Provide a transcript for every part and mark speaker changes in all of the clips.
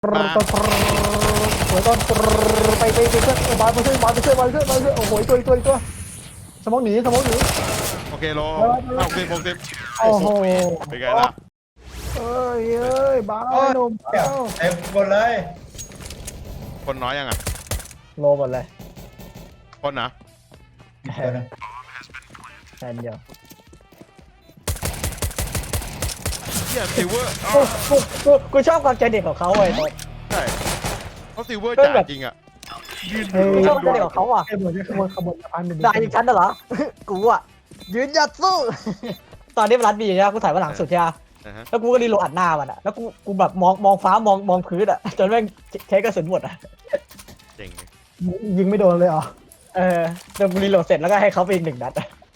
Speaker 1: มาหัวต้นไปเพื่อนบอลไปช่วยโอ้โหตัวสมองหนี
Speaker 2: โอเคโล60
Speaker 1: โอ้โห
Speaker 2: เป็นไงล่ะ
Speaker 1: เอ้ยบ้าหนุ่ม
Speaker 3: เต็มหมดเลย
Speaker 2: คนน้อยยังอ่ะ
Speaker 1: โลหมดเลย
Speaker 2: คนนะ
Speaker 1: แทนเดียว
Speaker 2: เฮียซิลเวอร์
Speaker 1: กูชอบความใจเด็กของเขาไอ้ตัว
Speaker 2: ใช่เขาซิลเวอร์จ่าจริงอ่ะยืน
Speaker 1: กูชอบใจเด็กของเขาอ่ะขบวนสะพานได้ยิงฉันเหรอกูอ่ะยืนหยัดสู้ตอนนี้มันรัดบีใช่ไหมกูถ่ายมาหลังสุดใช่ไหมแล้วกูก็รีโหลดอัดหน้ามันอ่ะแล้วกูแบบมองฟ้ามองพื้นอ่ะจนแม่งใช้กระสุนหมดอ่ะ
Speaker 2: เจ๋ง
Speaker 1: ยิงไม่โดนเลยเหรอเดี๋ยวกูรีโหลดเสร็จแล้วก็ให้เขาไปอีก1 นัด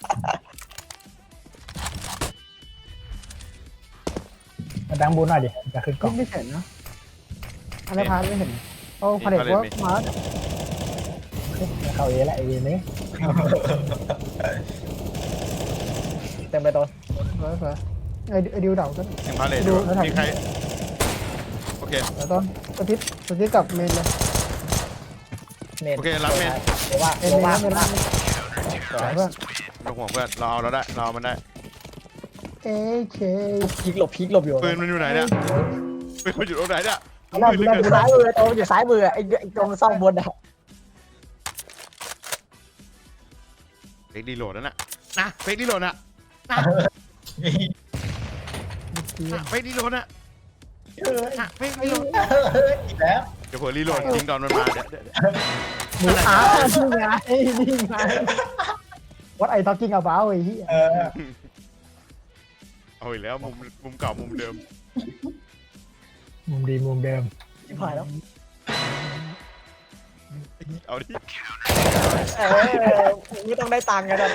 Speaker 1: มาดังบูนหน่อยดิจะขึ้นกล้องไม่เห็นนะอะไรพาไม่เห็นโอ้พาเด็กว่ามาเขาเอแหละไอ้นี้เต็มไปต้นไอ้ดิวเดาก็
Speaker 2: ยังพาเลทมีใครโอเค
Speaker 1: แล้วต้นสติ๊กกับเมนเลย
Speaker 2: โอเครับเมน
Speaker 1: ว่าเมนเพื่อน
Speaker 2: ไม่ต้องห่วงเพื่อนเราเอาเราได้เรามันได้
Speaker 1: เคพีกหลบอยู่
Speaker 2: ปืนมันอยู่ไหนเนี่ยปืนมันอยู่ตรงไหนเนี่ย
Speaker 1: เราอยู่ซ้ายมือโตอยู่ซ้ายมือไอ้ตรงซ่องบนอะ
Speaker 2: เฟกดีโหลดนั่นนะเฟกดีโหลดนะเฟกดีโหลดนะเฟกดีโหลด
Speaker 3: อีกแล้ว
Speaker 2: เดี๋ยวผมรีโหลดจริงตอนมันมาเดี๋ยว
Speaker 1: หมูนี่ไงWhat are you talking about ไอ้เหี้ย
Speaker 2: เอาอีกแล้วมุมเก่ามุมเดิม
Speaker 1: มุมเดิมชิบหายแล้ว
Speaker 2: เอาดิ
Speaker 1: ไม่ต้องได้ตังค์กัน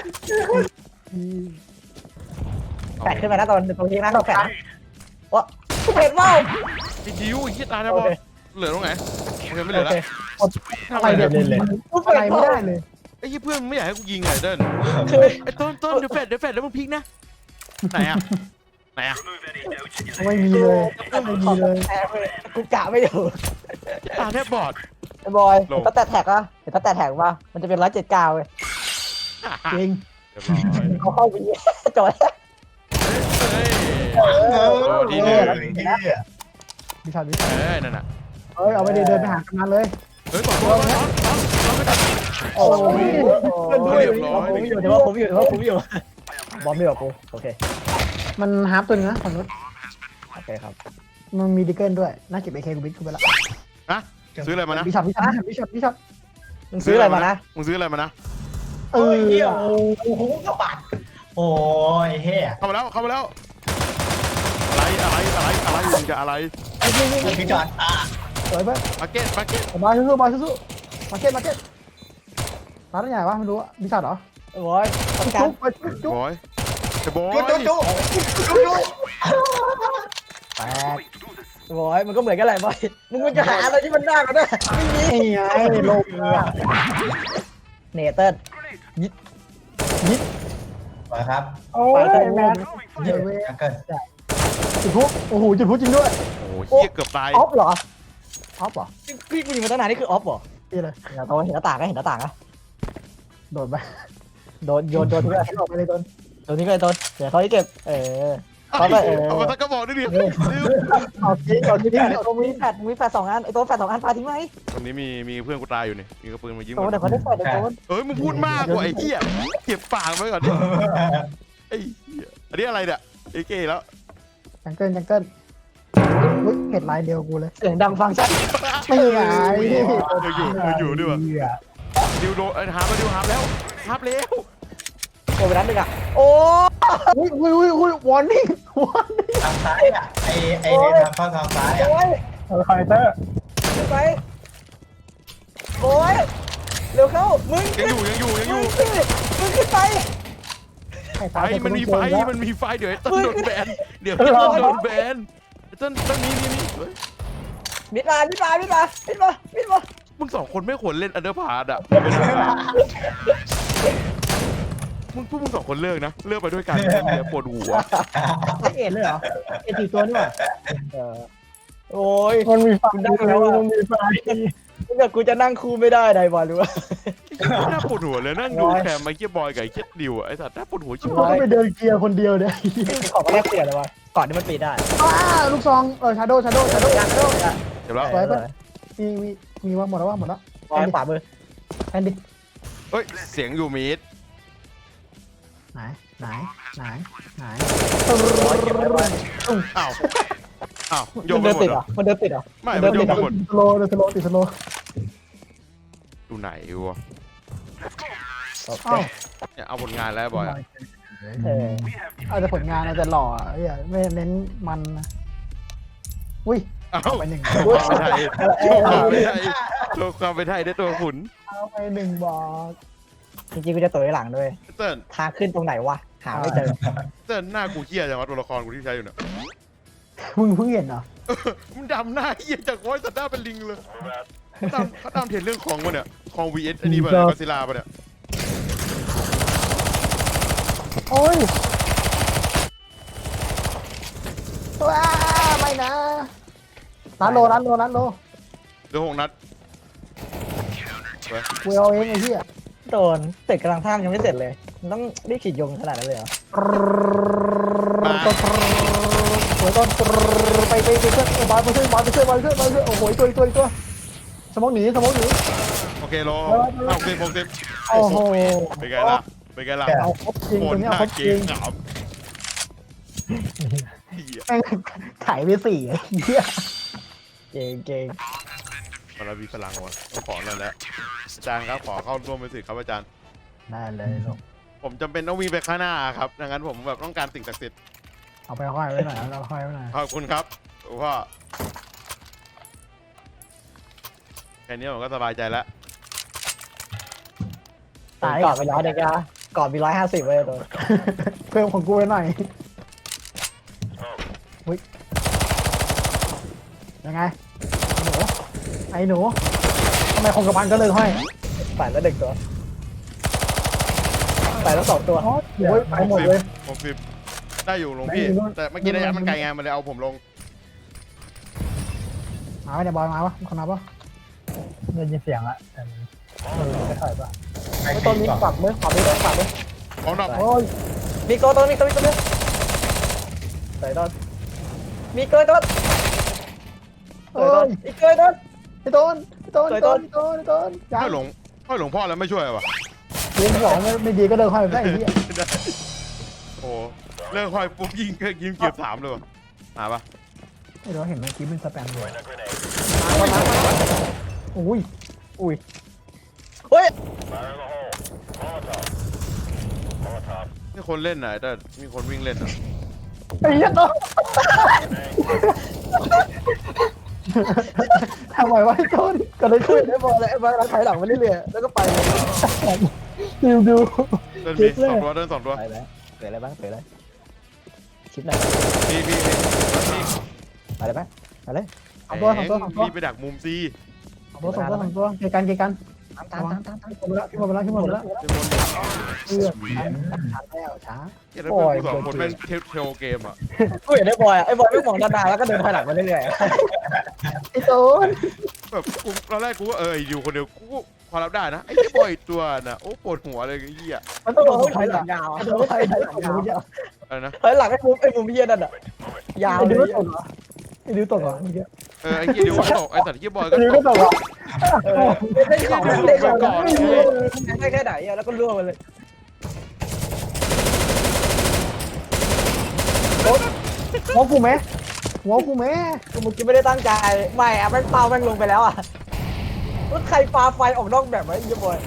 Speaker 1: แปะขึ้นมานะตรงนี้นะเราแปะวะกูเห็นว่า
Speaker 2: ไอ้ดิวไอ้เหี้ยตายแล้วบอลเหลือตรงไหนโอเคไม่เหลือแล้ว
Speaker 1: อะไรเนี่ยกูอะไรไม่ได้เลย
Speaker 2: ไอ้เพื่อนไม่อยากให้กูยิงไงเดินไอ้ต้นเดี๋ยวแฟดแล้วมึงพลิกนะไหนอะ
Speaker 1: ไม่มีเลยกูกะไม่อยู่
Speaker 2: ตาแทบบอด
Speaker 1: ไอ้บอยถ้าแตะแท็กอะถ้าแตะแท็กว่ามันจะเป็น179เลยจริงเขาเข้าไปจอย
Speaker 2: ทีนึง
Speaker 1: วิชา
Speaker 2: นั่นน่ะ
Speaker 1: เอาไปเดินไปหากำนันเลย
Speaker 2: เฮ้ยต่อตัว
Speaker 1: โอ้ยผมอยู่บอมไม่บอกกูโอเคมันฮาร์ปตัวนึงนะฝั่งนู้นโอเคครับมันมีดิเกิลด้วยน่าเก็บไอเคกูบิ๊กกูไปละ
Speaker 2: ฮะซื้ออะไรมานะ
Speaker 1: บิชอปมึงซื้ออะไรมานะ
Speaker 2: โอ้โห
Speaker 3: กระบาดโอ้ยเฮ้ย
Speaker 2: เข้ามาแล้วอะไรมึงจะอะไร
Speaker 3: พี่จอด
Speaker 1: สวยเพื่อน
Speaker 2: มาเก็ต
Speaker 1: มาสู้มาเก็ตร้านใหญ่วะไม่รู้อะบิชอปเหรอโอ้ยจุ๊บ
Speaker 2: บอยไอ้บอย
Speaker 1: แตกบอยมันก็เหมือนกันแหละบอยมึงจะหาอะไรที่มันได้กันได้ไม่มีไงโลกเนเติ้ลยิด
Speaker 3: มาครับ
Speaker 1: โอ้ยแมน
Speaker 3: ยิงกัน
Speaker 1: จุดพุโอ้โหจุดพุจริงด้วย
Speaker 2: โอ้เหี้ยเกือบตาย
Speaker 1: ออฟเหรอพี่กูยิงมาตั้งนานนี่คือออฟเหรอนี่เลยเห็นหน้าต่างนะโดนไปโยนทิ้งไปออกไปเลยโดนทิ้งไปโดนเดี๋ยวเขาที่เก็บเขาไป
Speaker 2: เอามาสักกระบอกดิ
Speaker 1: เอาทิ้งมีแฟด2 อันไอ้ตัวแฟด2 อันพาทิ้งไหม
Speaker 2: ตรงนี้มีเพื่อนกูตายอยู่นี่มีกระปืนมายิง
Speaker 1: โดนเดี๋ยวเขาได้แฟดโดน
Speaker 2: มึงพูดมากกว่าไอ้เหี้ยเก็บปากไว้ก่อนดิไอ้เหี้ยอันนี้อะไรเนี่ยไอ้เก๋แล้ว
Speaker 1: จังเกิลเห็ดลายเดียวกูเลยเสียงดังฟังชัดไม่ไง
Speaker 2: อยู่ด้วยวะดิวโดนฮาร์ปแล้ว
Speaker 1: โอ้ไปนั้นหนึ่งอ่ะโอ้วอร์นิ่ง
Speaker 3: ทางซ้ายอ่ะไอ้เนี่ยเข้าทางซ้ายอ่ะ
Speaker 1: ไฟเตอร์ไปโอ้ยเร็วเข้ามึง
Speaker 2: ยังอยู่
Speaker 1: มึงขึ้นไป
Speaker 2: มันมีไฟเดี๋ยวต้นโดนแบนต้นนี้
Speaker 1: มิดมา
Speaker 2: มึง2 คนไม่ควรเล่นอันเดอร์พาร์ดอ่ะมึง2 คนเลิกไปด้วยกันเนี่ยปวดหัว
Speaker 1: ไม่เอ็นเลยเหรอเอ็น4 ตัวนี่หว่าโอ้ย
Speaker 4: มันมีไฟ
Speaker 1: นั่งแล้วอะ
Speaker 4: มันมีไฟ
Speaker 1: ถ้าเกิดกูจะนั่งคู่ไม่ได้ได้บอลรู้ว่า
Speaker 2: น่าปวดหัวเลยนั่งดูแคมไอ้เกียบอยกับไอ้เกียดิวไอ้สัตว์น่าปวดหัวชิบ
Speaker 4: กู
Speaker 2: หาย
Speaker 4: ก็ไปเดินเกียร์คนเดียวเนี่ย
Speaker 1: ขอมาแลกเปลี่ยนเลยวะก่อนที่มันปีได้
Speaker 4: ลูกซองชาโดว์
Speaker 2: เดี๋ยวแล้ว
Speaker 4: สวยปะมีว่าหมดแล้วหมดแล้ว
Speaker 1: วางขวามือ
Speaker 4: แอนดิ
Speaker 2: เฮ้ยเสียงอยู่มีด
Speaker 4: ไหน
Speaker 2: อ้าวอ้าวโย
Speaker 1: มัน
Speaker 2: นไป
Speaker 1: เดิน
Speaker 2: หม
Speaker 1: ติ
Speaker 2: ด
Speaker 1: ด
Speaker 2: เห
Speaker 1: เห
Speaker 2: ร
Speaker 1: ร
Speaker 2: อ
Speaker 1: อมันเดินติดเหรอ
Speaker 2: ไม่มันโยนไปหมด
Speaker 4: ติดสโลว์
Speaker 2: ดูไหนวะ
Speaker 1: โอเค
Speaker 2: เนี่ยเอาผลงานแล้วบอยอะ
Speaker 1: เออ
Speaker 4: เอาแต่ผลงานเอาแต่หล่อไม่เน้นมันนะอุ้ย
Speaker 2: เอ้า
Speaker 4: ไปหนึ่ง
Speaker 2: โชว์ความเป็นไทยโชว์ความเป็นไทยโชว์ความเป็นไทยได้ตัวขุน
Speaker 4: เอาไปหนึ่งบอก
Speaker 1: จริงๆกูจะตัวไว้หลังด้วย
Speaker 2: เติ้ล
Speaker 1: ทางขึ้นตรงไหนวะหาไม่เจอ
Speaker 2: เติ้ลหน้ากูเหี้ยจังวะตัวละครกูที่ใช้อยู่เนี่ย
Speaker 4: มึงเพิ่งเห็นเหรอ
Speaker 2: มันดำหน้าเหี้ยจากโว้ยสัตว์หน้าเป็นลิงเลยเขาตามเทรนเรื่องของมันเนี่ยของ vs อันนี้ป่ะเนี่ยก็ซิลาป่ะเนี่ย
Speaker 4: โอ้ยว้าไม่นะร้านโล
Speaker 2: เดือ6 นัด
Speaker 4: กูเอาเองไอ้เหี้ย
Speaker 1: โดนเสร็จกำลังท่ามยังไม่เสร็จเลยมันต้องรีบขีดยงขนาดนั้นเลยเหรอ
Speaker 4: หัวต้นไปเชื่อบอลไปเชื่อโอ้โหตัวสมองหนี
Speaker 2: โอเคโล60
Speaker 4: โอ้โห
Speaker 2: เป็นไงล่ะเป็นไงล่ะ
Speaker 4: เอาครบจริง
Speaker 2: โค
Speaker 4: ตั
Speaker 2: น
Speaker 4: วนี้
Speaker 2: หน้า
Speaker 4: เอาครบ
Speaker 2: เก
Speaker 4: จริ
Speaker 2: ง
Speaker 4: ง
Speaker 2: ขามเหี้ย
Speaker 4: แม่งถ่ายไป4ไอ้เหี้ย
Speaker 1: เก่ง
Speaker 2: มันมีพลังว่ะต้องขอหน่อยแล้วอาจารย์ครับขอเข้าร่วมเป็นสิครับอาจารย์
Speaker 4: ได้เลยลูก
Speaker 2: ผมจำเป็นต้องวิ่งไปข้างหน้าครับดังนั้นผมแบบต้องการสิ่งศักดิ์สิทธิ์
Speaker 4: เอาไปห้อยไว้หน่อยเอาห้อยไว้หน่อย
Speaker 2: ขอบคุณครับว่าแค่นี้ผมก็สบายใจแล้ว
Speaker 1: ตายก่อนไปร้อยเด็กอะก่อนมี150เลยตัว
Speaker 4: เพิ่มของกูไว้หน่อยอุ้ยยังไงไอ้หนูทำไมคงกระพันก็เลยห้อย
Speaker 1: ใส่แล้วเด็กตัวใส่แล้ว2 ตัว
Speaker 4: โอ้ยไปหมดเลย
Speaker 2: 60ได้อยู่หลวงพี่แต่เมื่อกี้ระยะมันไกลไงมันเลยเอาผมลง
Speaker 4: มาไม่ได้บอลมาวะคนนับวะ
Speaker 1: ได้ยินเสียงละแต่ไม่ค่อยป่ะ
Speaker 3: ไป
Speaker 1: ไม่
Speaker 3: ตี
Speaker 1: ต้นนี้
Speaker 3: ก่อน
Speaker 1: ปรับมือปรับมือปรับมือ
Speaker 2: ของดอก
Speaker 4: โอ้ย
Speaker 1: มีโกตัวนี้ตัวใส่ต้นมีเกยต้น
Speaker 4: เอ้ย
Speaker 1: อีกเกยต้น
Speaker 4: ไอ้ต้นจ้า
Speaker 2: ห้อยหลวงพ่อแล้วไม่ช่วยวะ
Speaker 4: เลี้ยงหัวไม่ดีก็เดินห้อยไปไอ้เหี้ย
Speaker 2: โอ้เลิกห้อยปุ๊บยิงเก็บ3เลยวะมาปะ
Speaker 4: ไอ้เราเห็นเมื่อกี้เป็นสแปมเลย
Speaker 1: โอ้ย
Speaker 4: อุ้ย
Speaker 1: เฮ้ย
Speaker 2: นี่คนเล่นนะแต่มีคนวิ่งเล่นอ่ะ
Speaker 4: ไอ้เหี้ยต้นทำไมวะไอ้ต้นก็เลย
Speaker 1: คุ
Speaker 4: ขึ้
Speaker 1: ย
Speaker 4: น
Speaker 1: ได้บอลเลยไอ้บอลถอยหลังมาเรื่อยๆแล้วก็ไปเลย
Speaker 4: ดู
Speaker 2: เดินมี2 ตัวเดิน2 ตัว
Speaker 1: ไปแล้วเกิดอะไรบ้างเกิดอะไรคลิปไหน
Speaker 2: พี่
Speaker 1: ไปเลยไหมไปเลย
Speaker 4: สองตัว
Speaker 2: รีบไปดักมุมซี
Speaker 4: ตัวเกกัน
Speaker 1: ตาม
Speaker 4: ขึ้นมาแล้ว
Speaker 2: เดี๋ยวบน
Speaker 4: แล้วช้า
Speaker 2: เดี๋ยวเราเป็น2 คนแม่งเทลเกมอ่ะ
Speaker 1: กูเห็นได้บอยอ่ะไอ้บอยไม่มองด้านหน้าแล้วก็เดินถอยหลังมาเรื่อย
Speaker 4: ไอ้ต้น
Speaker 2: แบบกูตอนแรกกูว่าอยู่คนเดียวกูพอรับได้นะไอ้บอยตัวน่ะโอ้ปวดหัวเลยไอ้เหี้ย
Speaker 4: มันต้อง
Speaker 1: ๆ
Speaker 4: โด
Speaker 1: โด
Speaker 4: น
Speaker 1: น
Speaker 4: ถ
Speaker 1: ถ
Speaker 4: อ
Speaker 1: อย ย
Speaker 4: ห
Speaker 1: ห
Speaker 4: ลั
Speaker 1: ลั
Speaker 4: ง
Speaker 1: งยาว
Speaker 4: โดนถอยหลังยาว
Speaker 2: อะไรนะ
Speaker 1: ถอยหลังไอ้มุมเฮียนั่นอ่ะยาว
Speaker 4: ไอ้
Speaker 1: เล
Speaker 4: ดิวย ต
Speaker 1: อ่ะ
Speaker 4: กเหรอไอ้ดิวตกเหรอ
Speaker 2: ไอ้เหี้ยเดี๋ยวก็ตกไอ้สัตว์เหี้ยบอยก็
Speaker 4: ดิว
Speaker 2: ต
Speaker 4: ก็
Speaker 2: ก
Speaker 4: ตกเหรอ
Speaker 1: ได้ของได้ของได้แค่ไหนอ่ะแล้วก็ล่วงไปเลย
Speaker 4: หัวกูไหมหัวกูไหม
Speaker 1: กูเมื่อกี้ไม่ได้ตั้งใจไม่อ่ะแม่งเปล่าแม่งลงไปแล้วอ่ะแล้วใครปาไฟออกนอกแบบไว้ไอ้บอย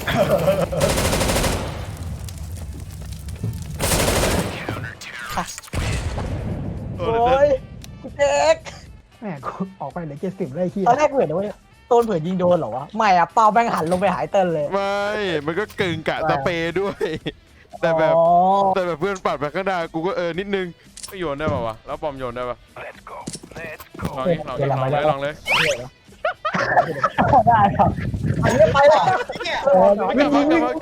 Speaker 1: โอ้ยเจ๊ก
Speaker 4: แม่กูออกไปเหลือ70เลยขี้
Speaker 1: ตอนแรกเห็นว่าโต้นเผื่อยิงโดนเหรอวะไม่อะเปาแม่งหันลงไปหายเติ้ลเลย
Speaker 2: ไม่มันก็กึ่งกะสเปรย์ด้วย แต่แบบเพื่อนปัดไปข้างหน้ากูก็นิดนึงไม่โยนได้ป่าวะแล้วบอมโยนได้ป่ะลองเลย
Speaker 4: ได้ครับ
Speaker 1: อันนี้ไปแล้ว
Speaker 3: เนี่ย
Speaker 2: กลับ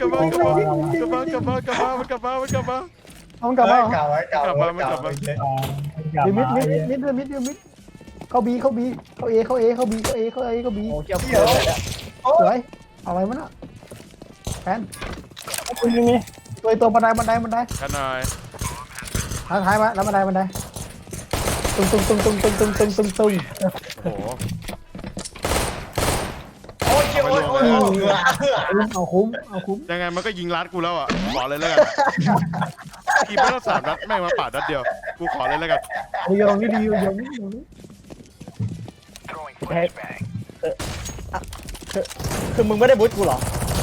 Speaker 2: มา
Speaker 4: เอากลับมา
Speaker 3: เก่าไว้
Speaker 4: มิดเข้าบีเข้าบีเข้าเอเข้าเอเข้าบีเข้าเอเข้าเอเข้าบี
Speaker 1: โอ้เกี่ยวเกี่ยวเลยอะ
Speaker 4: สวยอะไรวะน่ะแฟน
Speaker 5: คุณยังมี
Speaker 4: ตัวบันได
Speaker 2: กันหน่อย
Speaker 4: ท้ายมาแล้วบันไดตุ้ง
Speaker 2: โอ้โห
Speaker 3: โอ้ยโอ้ยโอ้ย
Speaker 4: เอาคุ้ม
Speaker 2: ยังไงมันก็ยิงรัดกูแล้วอ่ะขอเลยแล้วกันทีไม่ต้อง3 นัดแม่งมาปาดนัดเดียวกูขอเลยแล้วกัน
Speaker 4: ยองนี่ดียองนี่
Speaker 1: คือมึงไม่ได้บูทกูเหรอ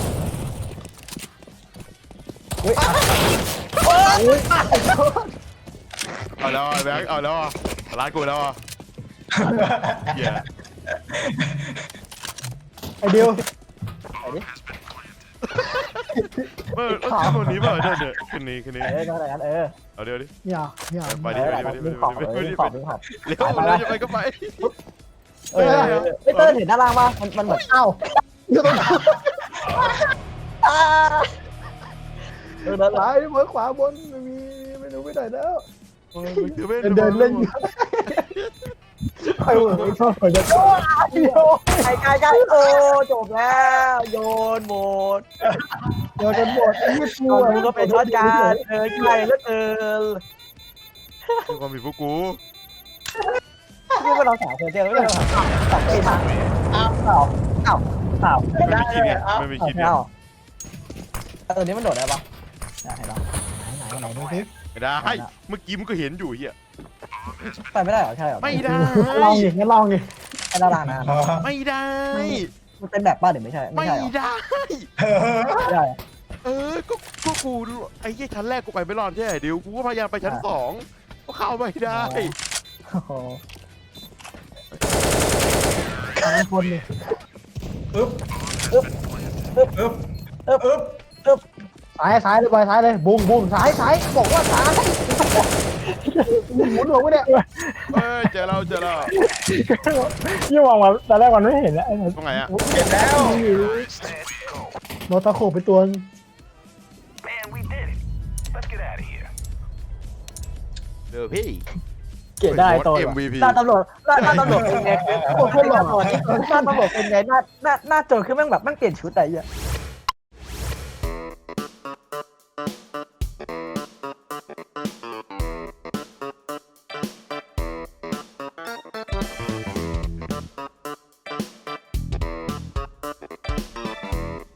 Speaker 2: เอาแล้วแบงค์เอาแล้วรัดกูแล้วเหี้ย
Speaker 4: ไอเดียว
Speaker 2: คนนี้เปล่าเนี่ยคืนนี้
Speaker 1: ก็อะไรกัน
Speaker 2: เอาเดี๋ยวดิ
Speaker 4: อย่า
Speaker 2: ไปดิ
Speaker 1: ดึงขอบดึงขอบ
Speaker 2: เร็วเราจะไปก็ไป
Speaker 1: เต้นเห็นด้านล่างป่ะมันเหมือน
Speaker 4: อ้าวอยู่ตรง
Speaker 1: ด้านล่าง
Speaker 4: ซ้ายบนขวาบนไม่รู้ไปไหนแล้ว เดินเล่นอยู่ใครเหมือนชอบเหมือนจะ
Speaker 1: ไกลโอ้จบแล้วโยนหมด
Speaker 4: โดนกันหมดไอ้ยี่ปู
Speaker 1: มึงก็เป็นช็อตการใกล้แล้ว
Speaker 2: ความผิดพวกกู
Speaker 1: นี่ก็เรา3 คนเจอแล้วตัดไปทางอ้าว
Speaker 2: ไม่มีคิดไงไม่มีคิดไง
Speaker 1: ตัวนี้มันโดดได้ปะไหนดูสิ
Speaker 2: ไม่ได้เมื่อกี้มึงก็เห็นอยู่เหี้ย
Speaker 1: ไปไม่ได้หรอใช่หรอ
Speaker 2: ไม่ได้
Speaker 4: ลองดิงั้นลองดิ
Speaker 1: ไอ้ด้านล่างนะ
Speaker 2: ไม่ได้
Speaker 1: มันเป็นแบบป้าหรือไม่ใช่
Speaker 2: ไม่
Speaker 1: ใช่หรอ
Speaker 2: ได้
Speaker 1: ไม่ได้
Speaker 2: ก็กูไอ้ยี่ชั้นแรกกูไปไม่รอดใช่ไหมเดี๋ยวกูก็พยายามไปชั้น2ก็เข้าไม่ได้
Speaker 1: โอ้โห
Speaker 4: ทางคนดิ ซ้ายเลยบอยซ้ายเลยบุ้งซ้ายบอกว่าซ้ายหมุนหัวไม่ได้
Speaker 2: เจอเรา
Speaker 5: ยี่มองมาตอนแรกมันไม่เห็นแล้ว
Speaker 2: ตรงไหนอ่ะ
Speaker 3: เห็นแล้ว
Speaker 4: โนตาโคไปตัว
Speaker 2: เจอพี่
Speaker 1: เกลียดได้ตัว
Speaker 2: MVP
Speaker 1: หน้าตำรวจเป็นไงโอ้โหตำรวจเป็นไงหน้าโจรคือแม่งแบบแม่งเปลี่ยนชุดอะไรอย่าง